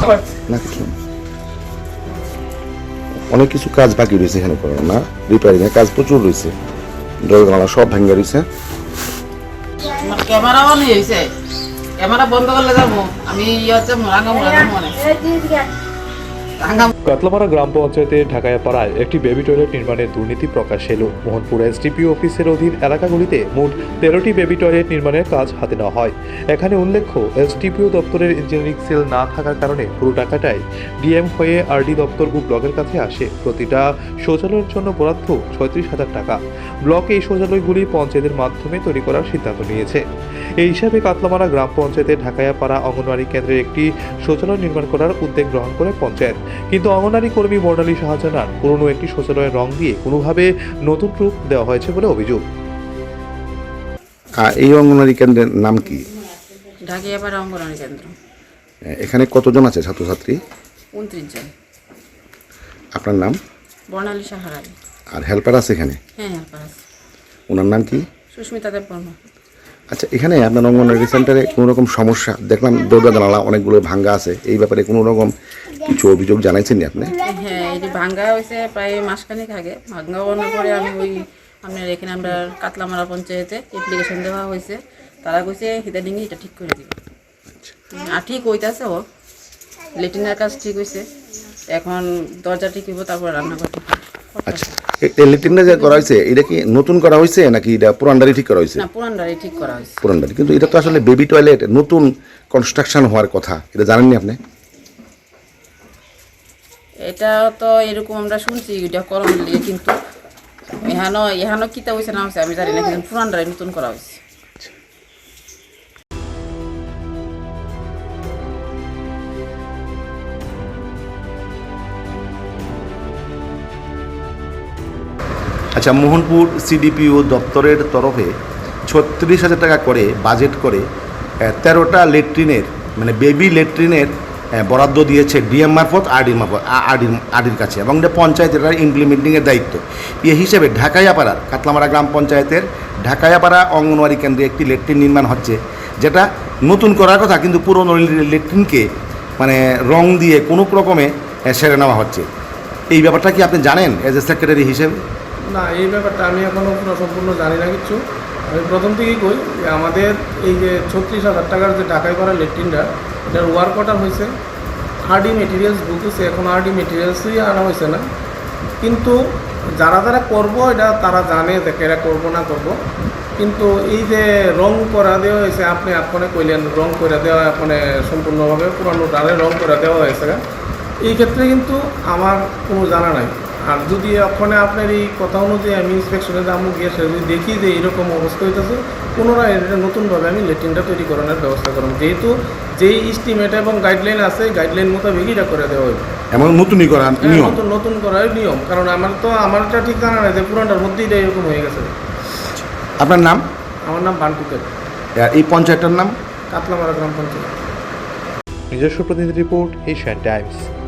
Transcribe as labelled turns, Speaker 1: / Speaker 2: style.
Speaker 1: না কিছু অনেক কিছু কাজ বাকি রয়েছে এখানে করার না, রিপেয়ারিং এর কাজ প্রচুর রয়েছে, দরজা সব ভাঙা রয়েছে।
Speaker 2: ক্যামেরা অন হয়েছে, ক্যামেরা বন্ধ করলে যাবো আমি
Speaker 3: কাতলামারা গ্রাম পঞ্চায়েতের ঢাকায়াপাড়ায় একটি বেবি টয়লেট নির্মাণের দুর্নীতি প্রকাশ এলো। মোহনপুর এসডিপিও অফিসের অধীন এলাকাগুলিতে মোট 13টি বেবি টয়লেট নির্মাণের কাজ হাতে নেওয়া হয়। এখানে উল্লেখ্য, এসডিপিও দপ্তরের ইঞ্জিনিয়ারিং সেল না থাকার কারণে পুরো টাকাটাই ডিএম হয়ে আরডি দপ্তর ও ব্লকের কাছে আসে। প্রতিটা শৌচালয়ের জন্য বরাদ্দ 36,000 টাকা। ব্লক এই শৌচালয়গুলি পঞ্চায়েতের মাধ্যমে তৈরি করার সিদ্ধান্ত নিয়েছে। এই হিসাবে কাতলামারা গ্রাম পঞ্চায়েতের ঢাকায়াপাড়া অঙ্গনওয়াড়ি কেন্দ্রের একটি শৌচালয় নির্মাণ করার উদ্যোগ গ্রহণ করে পঞ্চায়েত। কিন্তু অঙ্গনওয়াড়ি কর্মী বর্ণালী শাহ জানান, পুরনো একটি শৌচালয়ের রং দিয়ে কোনোভাবে নতুন রূপ দেওয়া হয়েছে বলে অভিযোগ।
Speaker 1: এই অঙ্গনওয়াড়ি কেন্দ্রের নাম কি?
Speaker 2: ঢাকায়াপাড়া অঙ্গনওয়াড়ি কেন্দ্র।
Speaker 1: এখানে কতজন আছে ছাত্রছাত্রী?
Speaker 2: 29 জন।
Speaker 1: আপনার নাম?
Speaker 2: বর্ণালী শাহ।
Speaker 1: আর হেল্পার আছে এখানে?
Speaker 2: হ্যাঁ, হেল্পার আছে।
Speaker 1: ওনার নাম কি?
Speaker 2: সুস্মিতা দেববর্মা।
Speaker 1: আচ্ছা, এখানে আপনার অঙ্গনওয়াড়ি সেন্টারে কোনো রকম সমস্যা দেখলাম, দরজা জানালা অনেকগুলো ভাঙ্গা আছে, এই ব্যাপারে কোনো রকম কিছু অভিযোগ জানাইছেন আপনি?
Speaker 2: হ্যাঁ, এটি ভাঙ্গা হয়েছে প্রায় মাসখানেক আগে। ভাঙ্গা হওয়ার পরে আমি আপনার এখানে আমরা কাতলামারা পঞ্চায়েতে অ্যাপ্লিকেশন দেওয়া হয়েছে। তারা কইছে হিদানিংয়ে এটা ঠিক করে দিবে। আর ঠিক হইতেছে, ও লেট্রিনের কাজ ঠিক হয়েছে, এখন দরজা ঠিক হইব, তারপর রান্নাঘর ঠিক হবে।
Speaker 1: আচ্ছা, এই লেট্রিনটা যে করা হয়েছে এটা কি নতুন করা হয়েছে নাকি এটা পুরানডারি ঠিক করা হয়েছে?
Speaker 2: না, পুরানডারি ঠিক করা হয়েছে।
Speaker 1: পুরানডারি, কিন্তু এটা তো আসলে বেবি টয়লেট, নতুন কনস্ট্রাকশন হওয়ার কথা, এটা জানেননি আপনি?
Speaker 2: এটা তো এরকম আমরা শুনছি, এটা করণ লিয়ে, কিন্তু এহানো কিতা হয়েছে না হয়েছে আমি জানি না, কিন্তু পুরানডারি নতুন করা হয়েছে।
Speaker 1: আচ্ছা, মোহনপুর সিডিপিও দপ্তরের তরফে 36,000 টাকা করে বাজেট করে 13টা লেট্রিনের মানে বেবি লেট্রিনের বরাদ্দ দিয়েছে ডিএম মারফত আরডির কাছে, এবং এটা পঞ্চায়েতের ইমপ্লিমেন্টিংয়ের দায়িত্ব। এই হিসেবে ঢাকায়াপাড়ার কাতলামারা গ্রাম পঞ্চায়েতের ঢাকায়াপাড়া অঙ্গনওয়াড়ি কেন্দ্রে একটি লেট্রিন নির্মাণ হচ্ছে, যেটা নতুন করার কথা, কিন্তু পুরনো লেট্রিনকে মানে রং দিয়ে কোনো রকমে সেরে নেওয়া হচ্ছে। এই ব্যাপারটা কি আপনি জানেন এজ এ সেক্রেটারি হিসেবে?
Speaker 4: না, এই ব্যাপারটা আমি এখনও পুরো সম্পূর্ণ জানি না কিছু। আমি প্রথম থেকেই কই যে আমাদের এই যে 36,000 টাকার যে ঢাকায়াপাড়া লেট্রিনটা, এটার ওয়ার্ক অর্ডার হয়েছে, আরডি মেটেরিয়ালস ঢুকেছে, এখন আরডি মেটেরিয়ালসই আনা হয়েছে না। কিন্তু যারা করবো এটা তারা জানে দেখে এরা করবো না করবো, কিন্তু এই যে রং করা দেওয়া হয়েছে, আপনি আপনে কইলেন রং করে দেওয়া, আপনি সম্পূর্ণভাবে পুরানো ডালে রং করে দেওয়া হয়েছে, এই ক্ষেত্রে কিন্তু আমার কোনো জানা নাই। আর যদি ওখানে আপনার এই কথা অনুযায়ী আমি ইন্সপেকশনে দামও গিয়ে সে যদি দেখি যে এইরকম অবস্থা হইতেছে, পুনরায় এটা নতুনভাবে আমি লেট্রিনটা তৈরি করানোর ব্যবস্থা করব, যেহেতু যেই এস্টিমেট এবং গাইডলাইন আছে, গাইডলাইন মোতাবেক এটা করে দেওয়া হবে।
Speaker 1: এমন নতুনই করা নিয়ম,
Speaker 4: নতুন করার নিয়ম, কারণ আমারটা ঠিক জানা নাই যে পুরানটার মধ্যেই এটা এরকম হয়ে গেছে।
Speaker 1: আপনার নাম?
Speaker 4: আমার নাম বান্টুকের।
Speaker 1: এই পঞ্চায়েতটার নাম?
Speaker 4: কাতলামারা গ্রাম পঞ্চায়েত।
Speaker 3: নিজস্ব প্রতিনিধি রিপোর্ট, এশিয়ান টাইমস।